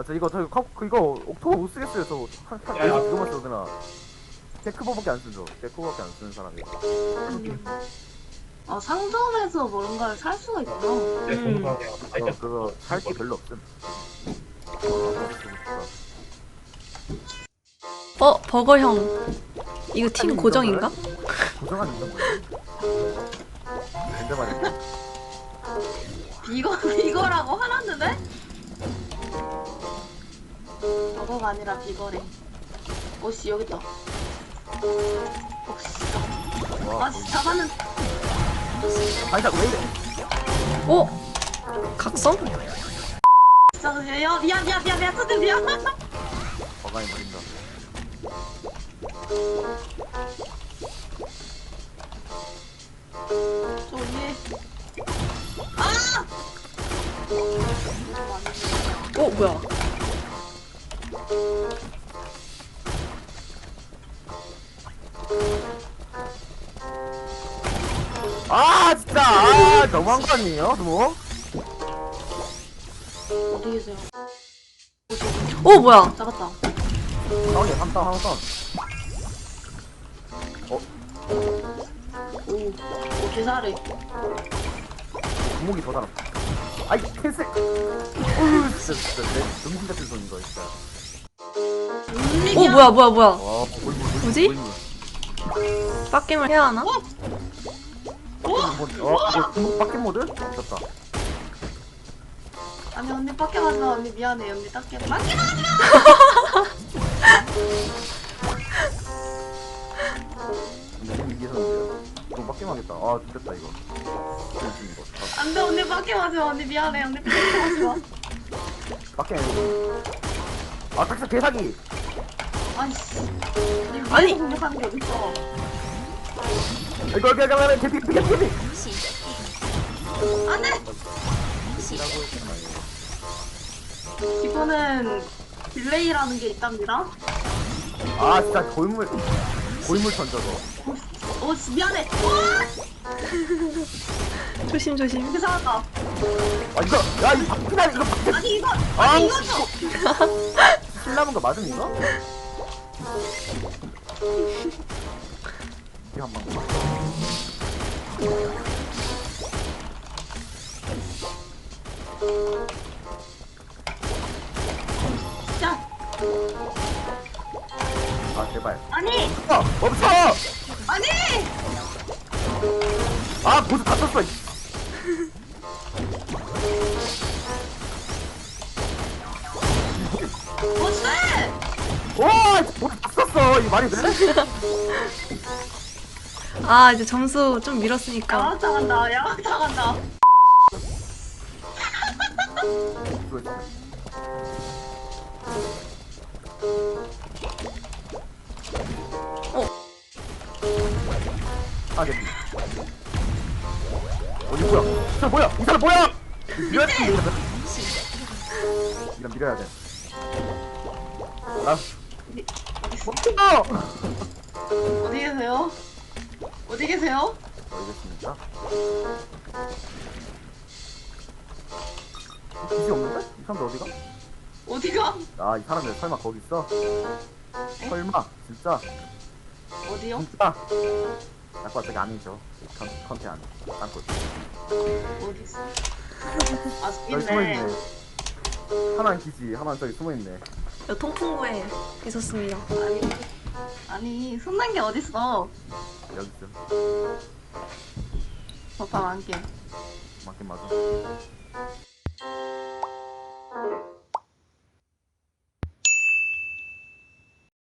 아, 이거 옥토버 못 쓰겠어요. 그거만 써드나. 데크버밖에 안 쓰죠. 데크버밖에 안 쓰는 사람이. 상점에서 뭔가를 살 수가 있구나. 그거 살 게 별로 없음. 버거형. 이거 팀 고정인가? 고정하는 건 뭐야? 근데 말이야. 비거라고 화났는데? 버거가 아니라 비거래. 오씨 여기 있다. 오씨. 와, 아 잡았는. 아니, 왜 이래? 각성? 진짜 미안 선생님 미안. 버가이 버린다. 저 위에. 아! 뭐야? 아, 진짜! 아, 너무한 거 아니에요? 뭐? 어디 계세요? 뭐야? 잡았다. 다운이야, 3다운, 하나 다운. 오 개사래. 구목이 더 달아. 아이, 캔슬! 어우, 진짜, 내 정신 같은 손인 거, 진짜. 뭐야? 와, 뭐지? 빡겜을 해야 하나? 이거 구목 바뀐 모드? 미쳤다. 아니 언니 밖에 가서 언니 미안해 언니 밖에 밖에 근데 지금 이기셨는데요? 이거 바뀌면 하겠다. 아, 죽겠다, 이거. 이거. 안돼 언니 밖에 가지 마 언니 미안해 언니 밖에 가지 마. 바뀌면 아, 딱히 개사기! 아이씨. 아니. 공격하는 게 어딨어? 이거, 개피! 안돼. 이거는 딜레이라는 게 있답니다. 아, 진짜 골물 던져서. 오 미안해. 조심. 이렇게 살았다. 아, 이거, 야, 이 바퀴다, 이거 바퀴. 아니 이거 아, 아니 이거 줘. 신나는 거 맞음, 이거? 이거 한 번. 자. 아, 제발. 아니 멈춰! 아니. 아, 보스 다 썼어. 뭐지? 와, 보스 다 썼어. 이 말이 돼? 이제 점수 좀 밀었으니까. 야망당한다. 이거 진짜. 아, 개피. 어디 뭐야? 저 뭐야? 이 사람 뭐야? 밀어야 돼. 이런 밀어야 돼. 아, 멈춰! 어디 계세요? 알겠습니다. 기지 없는데? 이 사람들 어디가? 어디가? 아, 이 사람들 설마 거기 있어? 설마? 진짜? 어디요? 진짜? 나거 어차피 아니죠. 컨테 아니. 딴 거. 어디 있어? 여기 있네. 숨어있네. 하나는 기지, 하나는 저기 숨어있네. 통풍구에 있었습니다. 아니 손난 게 어딨어? 여기쯤. 오빠 만개. 맞긴 맞아.